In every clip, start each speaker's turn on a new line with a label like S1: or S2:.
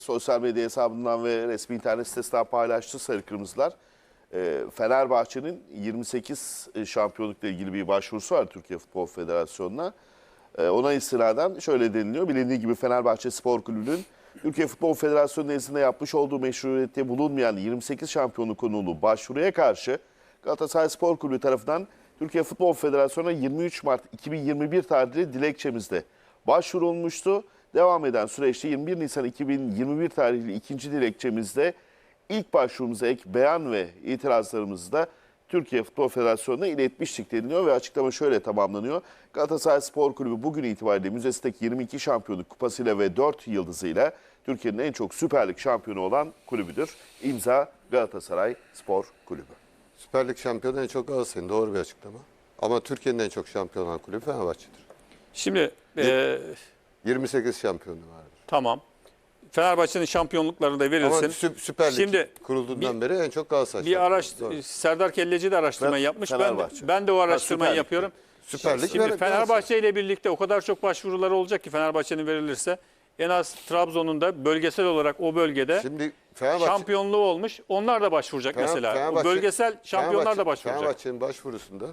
S1: Sosyal medya hesabından ve resmi internet sitesinden paylaştı Sarı Kırmızılar. Fenerbahçe'nin 28 şampiyonlukla ilgili bir başvurusu var Türkiye Futbol Federasyonu'na. Ona istinaden şöyle deniliyor. Bilindiği gibi Fenerbahçe Spor Kulübü'nün Türkiye Futbol Federasyonu nezdinde yapmış olduğu meşruiyette bulunmayan 28 şampiyonluk konulu başvuruya karşı Galatasaray Spor Kulübü tarafından Türkiye Futbol Federasyonu'na 23 Mart 2021 tarihli dilekçemizde başvurulmuştu. Devam eden süreçte 21 Nisan 2021 tarihli ikinci dilekçemizde ilk başvurumuza ek beyan ve itirazlarımızı da Türkiye Futbol Federasyonu'na iletmiştik deniliyor ve açıklama şöyle tamamlanıyor. Galatasaray Spor Kulübü bugün itibariyle müzesindeki 22 şampiyonluk kupasıyla ve 4 yıldızıyla Türkiye'nin en çok Süper Lig şampiyonu olan kulübüdür. İmza Galatasaray Spor Kulübü.
S2: Süper Lig şampiyonu en çok Galatasaray'ın, doğru bir açıklama. Ama Türkiye'nin en çok şampiyon olan kulübü Fenerbahçe'dir.
S3: Şimdi
S2: 28 şampiyonu vardır.
S3: tamam. Fenerbahçe'nin şampiyonluklarını da verilsin.
S2: Ama Süper Lig
S3: Şimdi
S2: kurulduğundan beri en çok Galatasaray
S3: bir
S2: şampiyonu.
S3: Serdar Kelleci de araştırma yapmış.
S1: Fenerbahçe.
S3: Ben de o araştırmayı yapıyorum.
S2: Süper Lig
S3: Şimdi
S2: ve
S3: Fenerbahçe ile birlikte o kadar çok başvuruları olacak ki Fenerbahçe'nin verilirse en az Trabzon'un da bölgesel olarak o bölgede
S2: Şimdi Fenerbahçe,
S3: şampiyonluğu olmuş. Onlar da başvuracak mesela. O bölgesel şampiyonlar da başvuracak.
S2: Fenerbahçe'nin başvurusunda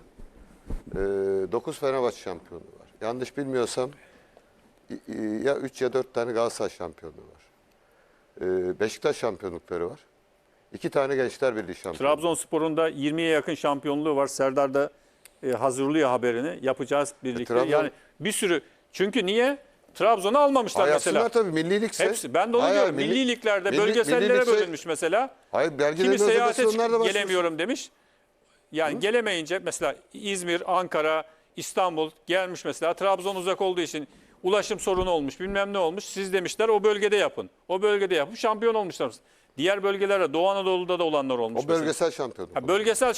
S2: 9 Fenerbahçe şampiyonu var. Yanlış bilmiyorsam ya 3 ya 4 tane Galatasaray şampiyonluğu var. Beşiktaş şampiyonlukları var. 2 tane Gençler Birliği şampiyonluğu.
S3: Trabzonspor'un da 20'ye yakın şampiyonluğu var. Serdar da hazırlıyor haberini. Yapacağız birlikte. Yani bir sürü. Çünkü niye? Trabzon'u almamışlar mesela.
S2: Yapsınlar tabii, milli ligse.
S3: Hepsi. Ben de onu diyorum. Milli liglerde bölgesellere bölünmüş mesela.
S2: Hayır,
S3: Kimi seyahate gelemiyorum demiş. Yani gelemeyince mesela İzmir, Ankara, İstanbul gelmiş mesela. Trabzon uzak olduğu için ulaşım sorunu olmuş, bilmem ne olmuş. Siz demişler o bölgede yapın. O bölgede yapın. Şampiyon olmuşlar. Diğer bölgelerde, Doğu Anadolu'da da olanlar olmuş.
S2: O bölgesel şampiyonluk.
S3: Bölgesel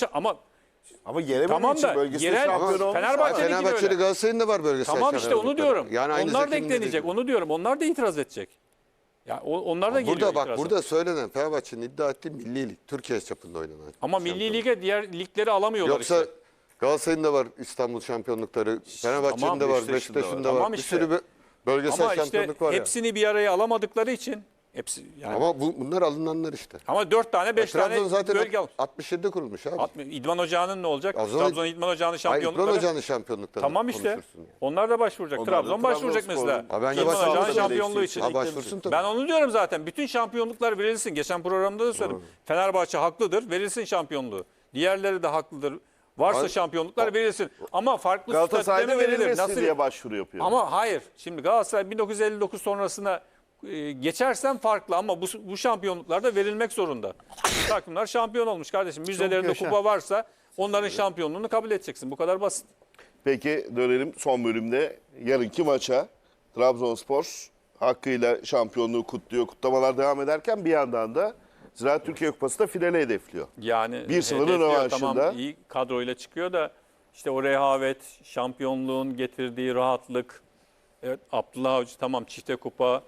S1: ama gelemediği
S3: tamam
S1: için
S3: da
S1: bölgesel
S3: yerel
S1: şampiyon olmuş.
S2: Fenerbahçe'li Galatasaray'ın da var bölgesel
S3: tamam işte onu diyorum.
S2: Yani
S3: onlar da eklenecek. Onu diyorum. Onlar da itiraz edecek. Ya onlar da geliyor
S2: burada
S3: itiraza.
S2: burada söylenen Fenerbahçe'nin iddia ettiği milli lig. Türkiye çapında oynanan.
S3: Ama milli lige diğer ligleri alamıyorlar
S2: Yoksa
S3: işte.
S2: Galatasaray'ın da var İstanbul şampiyonlukları. Fenerbahçe'nin
S1: tamam,
S2: de var,
S1: Beşiktaş'ın
S2: Beşiktaş'ın
S1: da
S2: da var.
S3: Tamam
S2: Bir
S3: işte.
S2: sürü bölgesel
S3: Ama işte
S2: şampiyonluk var ya.
S3: hepsini bir araya alamadıkları için hepsi yani.
S2: Ama bunlar alınanlar işte.
S3: Ama 4 tane 5 tane
S2: Trabzon zaten
S3: bölge almış.
S2: 67'de kurulmuş abi.
S3: İdman Ocağı'nın ne olacak?
S2: O zaman-
S3: Trabzon İdman Ocağı'nın
S2: Hayır,
S3: şampiyonlukları.
S2: İkbal Hoca'nın şampiyonlukları.
S3: Tamam işte. Onlar da başvuracak.
S1: Onlar da
S3: Trabzon başvuracak
S1: Trabzonspor'un-
S3: mesela.
S2: Ha, bence
S3: İdman
S2: başvursun
S3: Ocağı'nın
S2: tabii.
S3: şampiyonluğu için.
S2: Ha, başvursun tabii.
S3: Ben onu diyorum zaten. Bütün şampiyonluklar verilsin. Geçen programda da söyledim. Fenerbahçe haklıdır. Verilsin şampiyonluğu. Diğerleri de haklıdır. Varsa şampiyonluklar verilsin. Ama farklı statüde
S1: Galatasaray'da
S3: mi verilir?
S1: verilmesin
S3: Nasıl?
S1: diye başvuru yapıyor.
S3: Ama hayır. Şimdi Galatasaray 1959 sonrasına geçersen farklı ama bu şampiyonluklarda verilmek zorunda. Takımlar şampiyon olmuş kardeşim. Müzelerinde kupa varsa onların şampiyonluğunu kabul edeceksin. Bu kadar basit.
S1: Peki dönelim son bölümde yarınki maça. Trabzonspor hakkıyla şampiyonluğu kutluyor. Kutlamalar devam ederken bir yandan da Ziraat Türkiye Kupası da finale hedefliyor.
S3: Yani
S1: 1-0'ın
S3: hedefliyor,
S1: rövanşında.
S3: tamam, iyi kadroyla çıkıyor da işte o rehavet, şampiyonluğun getirdiği rahatlık. Evet, Abdullah Avcı tamam çifte kupa.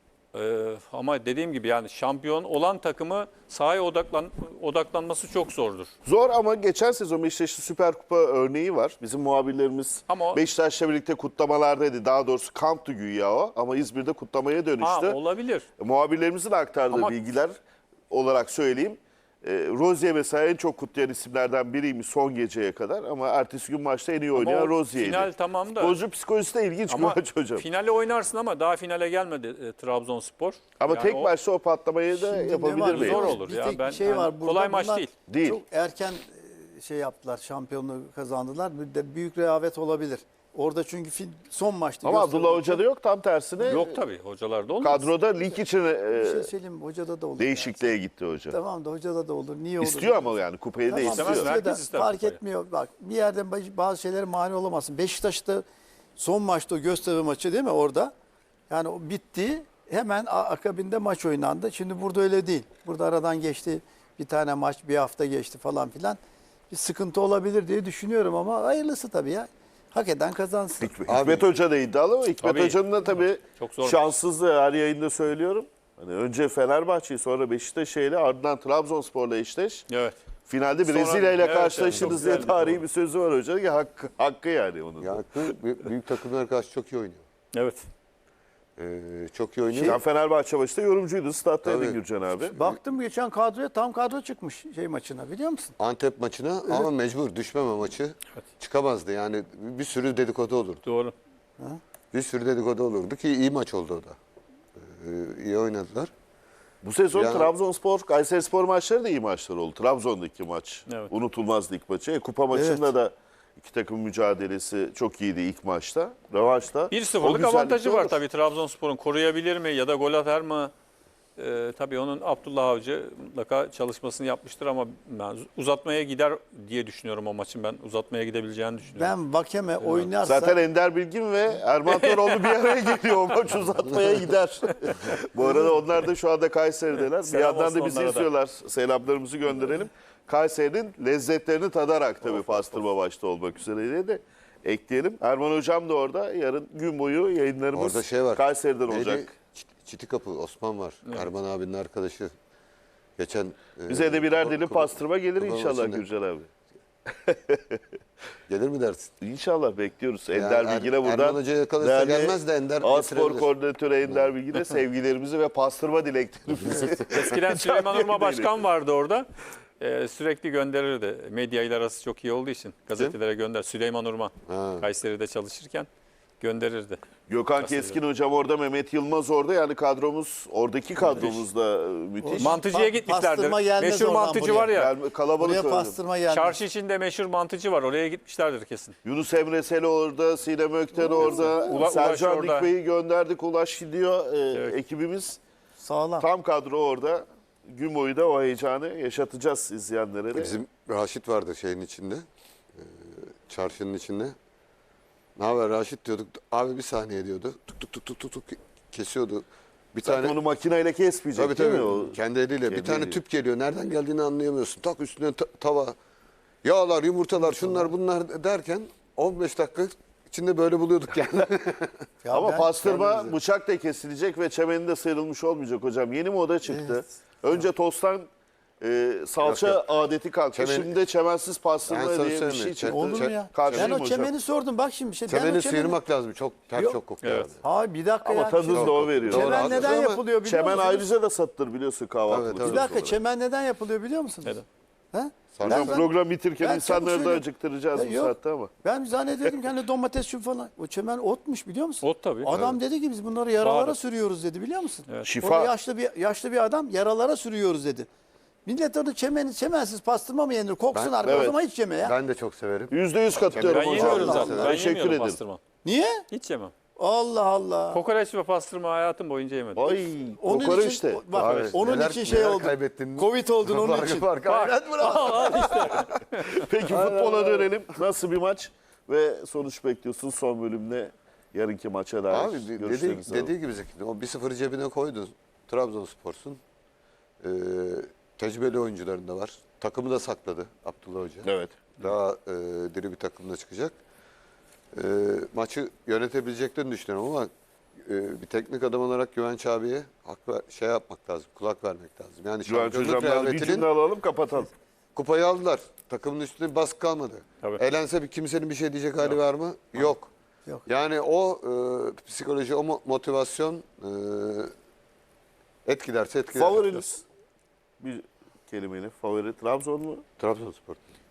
S3: Ama dediğim gibi yani şampiyon olan takımı sahaya odaklanması çok zordur.
S1: Zor ama geçen sezon Beşiktaş'ın Süper Kupa örneği var. Bizim muhabirlerimiz
S3: Ama
S1: Beşiktaş'la birlikte kutlamalardaydı. Daha doğrusu kamptı güya o ama İzmir'de kutlamaya dönüştü.
S3: olabilir.
S1: Muhabirlerimizin aktardığı
S3: Ama-
S1: bilgiler olarak söyleyeyim. Rozier mesela en çok kutlayan isimlerden biriymiş son geceye kadar ama ertesi gün maçta en iyi oynayan
S3: o
S1: Rozier'di.
S3: final tamam da.
S1: Futbolcu psikolojisi de ilginç bir
S3: Ama
S1: maç hocam.
S3: finale oynarsın ama daha finale gelmedi Trabzonspor.
S1: Ama
S3: Yani
S1: tek
S3: o
S1: maçta o patlamayı da
S4: Şimdi ne
S1: yapabilir
S4: var?
S1: mi?
S3: Zor olur
S4: Bir
S3: ya.
S4: tek
S3: Ben
S4: bir şey
S3: yani
S4: var burada.
S3: kolay maç
S4: Bunlar
S3: değil.
S1: Değil.
S4: Çok erken şey yaptılar, şampiyonluğu kazandılar. Bir de büyük rehavet olabilir. Orada çünkü son maçta
S1: Ama
S4: gösterdi.
S1: Abdullah Hoca'da yok, tam tersine
S3: Yok tabii hocalarda olmaz.
S1: kadroda lig için
S4: Bir şey söyleyeyim mi? Hocada da olur.
S1: değişikliğe gitti hoca.
S4: Tamam da hocada da olur. Niye olur?
S1: İstiyor ama yani kupayı da
S4: Tamam,
S1: istiyor.
S3: istemez.
S4: istiyor da
S3: Herkes ister
S4: fark
S3: kupayı.
S4: etmiyor. Bak bir yerden bazı şeylere mani olamazsın. Beşiktaş'ta son maçta o Göztepe maçı değil mi orada? Yani o bitti. Hemen akabinde maç oynandı. Şimdi burada öyle değil. Burada aradan geçti. Bir tane maç bir hafta geçti falan filan. Bir sıkıntı olabilir diye düşünüyorum ama hayırlısı tabii ya. Hak eden kazansın.
S1: Hikmet Hoca da iddialı ama Hikmet
S3: Tabii.
S1: Hoca'nın da tabii
S3: Çok zor
S1: şanssızlığı her yayında söylüyorum. Hani önce Fenerbahçe'yi sonra Beşiktaş'ı ardından Trabzonspor'la eşleş.
S3: Evet.
S1: Finalde
S3: Sonra-
S1: Brezilya ile
S3: evet,
S1: karşılaşırız
S3: evet,
S1: diye
S3: çok güzel bir
S1: tarihi
S3: doğru.
S1: bir sözü var hocanın ki hakkı yani onun.
S2: Ya büyük takımlara karşı çok iyi oynuyor.
S3: Evet.
S2: Çok iyi oynuyor.
S1: Sen Fenerbahçe maçta yorumcuydun. Stat'taydın
S2: Tabii.
S1: Gürcan abi.
S4: Baktım geçen kadroya, tam kadro çıkmış maçına, biliyor musun?
S2: Antep maçına ama mecbur düşmeme maçı çıkamazdı. Yani bir sürü dedikodu olurdu.
S3: Doğru.
S2: Bir sürü dedikodu olurdu ki iyi maç oldu o da. İyi oynadılar.
S1: Bu sezon
S2: Ya-
S1: Trabzonspor, Kayserispor maçları da iyi maçlar oldu. Trabzon'daki maç
S3: Evet.
S1: unutulmazdı ilk maçı. Kupa maçında da iki takım mücadelesi çok iyiydi ilk maçta. Rövanşta.
S3: 1-0'lık avantajı var tabii Trabzonspor'un. Koruyabilir mi ya da gol atar mı? Tabii onun Abdullah Avcı mutlaka çalışmasını yapmıştır ama ben uzatmaya gider diye düşünüyorum o maçın. Ben uzatmaya gidebileceğini düşünüyorum.
S4: Ben Vakeme oynarsa
S1: Zaten Ender Bilgin ve Erman Toroğlu bir araya geliyor. O maç uzatmaya gider. Bu arada onlar da şu anda Kayseri'deler. Bir
S3: Selam
S1: yandan
S3: olsun
S1: da bizi
S3: onlara da.
S1: izliyorlar. Selamlarımızı gönderelim. Kayseri'nin lezzetlerini tadarak tabii pastırma başta olmak üzere de ekleyelim. Erman Hocam da orada. Yarın gün boyu yayınlarımız
S2: Orada şey var.
S1: Kayseri'den
S2: Neydi?
S1: olacak.
S2: Çitikapı Osman var. Erman abinin arkadaşı. Geçen
S1: Bize de birer dilim
S2: Kupa-
S1: pastırma gelir
S2: Kupa
S1: inşallah
S2: maçında.
S1: Gürcan abi.
S2: Gelir mi dersin?
S1: İnşallah bekliyoruz.
S2: Yani
S1: Ender Bilgin'e buradan
S2: Erman Hoca yakalırsa
S1: değerli
S2: gelmez de Ender
S1: Aspor
S2: getirebilir.
S1: koordinatörü Ender Bilgin'e sevgilerimizi ve pastırma dileklerimizi.
S3: Eskiden Süleyman Urma
S1: Canlı
S3: Başkan vardı orada. Sürekli gönderirdi. Medya ile arası çok iyi olduğu için gazetelere gönder. Süleyman Urma
S2: Ha.
S3: Kayseri'de çalışırken gönderirdi.
S1: Gökhan Keskin hocam orada, Mehmet Yılmaz orada. Yani kadromuz, oradaki kadromuz da müthiş.
S3: Mantıcıya gitmişlerdir.
S4: pastırma gelmez
S3: Meşhur
S4: oradan
S3: mantıcı
S4: buraya.
S3: var ya.
S1: Yani kalabalık
S4: buraya
S1: öyle.
S4: pastırma gelmez.
S3: Çarşı içinde meşhur mantıcı var. Oraya gitmişlerdir kesin.
S1: Yunus Emre Sel orada, Sinem Ökten orada.
S3: Ulaş
S1: Sercan
S3: orada.
S1: Dikbey'i gönderdik. Ulaş gidiyor.
S3: Evet.
S1: Ekibimiz
S4: Sağlam.
S1: tam kadro orada. Gün boyu da o heyecanı yaşatacağız izleyenlere de.
S2: Bizim Raşit vardı şeyin içinde. Çarşının içinde. Ne haber Raşit diyorduk. Abi bir saniye diyordu. Tuk tuk tuk tuk tuk tuk kesiyordu. Bir
S1: Zaten
S2: tane
S1: onu makineyle kesmeyecek
S2: tabii
S1: değil
S2: tabii.
S1: mi? O
S2: Kendi eliyle.
S1: kendi
S2: Bir tane
S1: eliyle.
S2: tüp geliyor. Nereden geldiğini anlayamıyorsun. Tak üstüne tava. Yağlar, yumurtalar, şunlar bunlar derken 15 dakika içinde böyle buluyorduk yani.
S4: Ya
S1: Ama
S4: ben
S1: pastırma
S4: kendimize-
S1: bıçak da kesilecek ve çemeni de sıyrılmış olmayacak hocam. Yeni moda çıktı.
S4: Evet.
S1: Önce tosttan salça
S2: Yok,
S1: adeti kalktı.
S2: Çemen-
S1: Şimdi de çemensiz
S2: Ben
S1: pastırma
S2: sana
S1: diye bir
S2: söyleyeyim
S1: şey
S2: mi?
S1: çıktı.
S4: Olur mu ya?
S1: Karşıyım
S4: Ben o
S1: hocam.
S4: çemeni sordum. Bak şimdi ben o
S2: Çemeni
S4: çemeni...
S2: sıyırmak lazım. Çok ter
S3: Yok.
S2: çok kokuyor.
S3: Evet.
S2: abi.
S4: Abi bir dakika
S1: Ama
S4: ya.
S1: tadını da o veriyor.
S2: Doğru,
S4: Çemen
S2: haklısın
S4: neden
S2: ama
S4: yapılıyor biliyor
S1: Çemen
S4: musunuz?
S1: ayrıca da satılır biliyorsun kahvaltılık.
S2: Tabii,
S4: Bir dakika, çemen neden yapılıyor biliyor musunuz?
S3: Neden?
S4: Ha?
S1: Hocam
S4: Ben-
S1: program bitirken
S4: ben
S1: insanları
S4: çabuk
S1: da
S4: söyleyeyim.
S1: acıktıracağız
S4: Ya
S1: bu
S4: yok.
S1: saatte ama.
S4: Ben zannediyordum ki hani domates şu falan. O çemen otmuş biliyor musun?
S3: Ot tabii.
S4: Adam dedi ki biz bunları yaralara
S3: Sağda.
S4: sürüyoruz dedi biliyor musun?
S3: Evet.
S1: Şifa.
S4: Orada yaşlı bir adam yaralara sürüyoruz dedi. Millet onu çemensiz pastırma mı yenir? Koksun
S2: Ben-
S4: arkadaş, o
S1: evet.
S4: zaman hiç yeme ya.
S2: Ben de çok severim.
S1: %100 katılıyorum
S3: Ben
S1: hocam.
S3: yemiyorum
S4: Allah
S3: zaten.
S4: Allah.
S3: Ben
S1: Teşekkür
S3: yemiyorum
S1: ederim.
S3: pastırma.
S4: Niye?
S3: Hiç yemem.
S4: Allah Allah.
S3: Kokoreç ve pastırma hayatım boyunca yemedim.
S1: Ay,
S4: Onun
S1: kokoreç
S4: için,
S1: de.
S4: bak,
S2: Abi,
S4: onun
S2: neler-
S4: için şey
S2: neler
S4: oldu.
S2: kaybettin?
S4: Covid oldun onun için.
S1: Peki futbola dönelim. Nasıl bir maç ve sonuç bekliyorsun son bölümde yarınki maça dair
S2: Abi
S1: görüşlerinizi alalım.
S2: dediği gibi Zeki, o 1-0 cebine koydun. Trabzonspor'sun. Tecrübeli oyuncuların da var. Takımı da sakladı Abdullah Hoca.
S1: Evet.
S2: Daha diri bir takımla çıkacak. Maçı yönetebileceklerini düşünüyorum ama bir teknik adam olarak Güvenç abiye şey yapmak lazım, kulak vermek lazım. Yani
S1: Güvenç
S2: şampiyonluk
S1: hocamdan bir
S2: rehavetinin
S1: cümle alalım kapatalım.
S2: kupayı aldılar. Takımın üstüne bir baskı kalmadı.
S3: Tabii.
S2: Elense bir kimsenin bir şey diyecek hali var mı? Yok.
S4: Yok.
S2: Yani o psikoloji, o motivasyon etkilerse etkiler.
S1: Favoriniz bir kelimeyle favori Trabzon mu?
S2: Trabzonspor.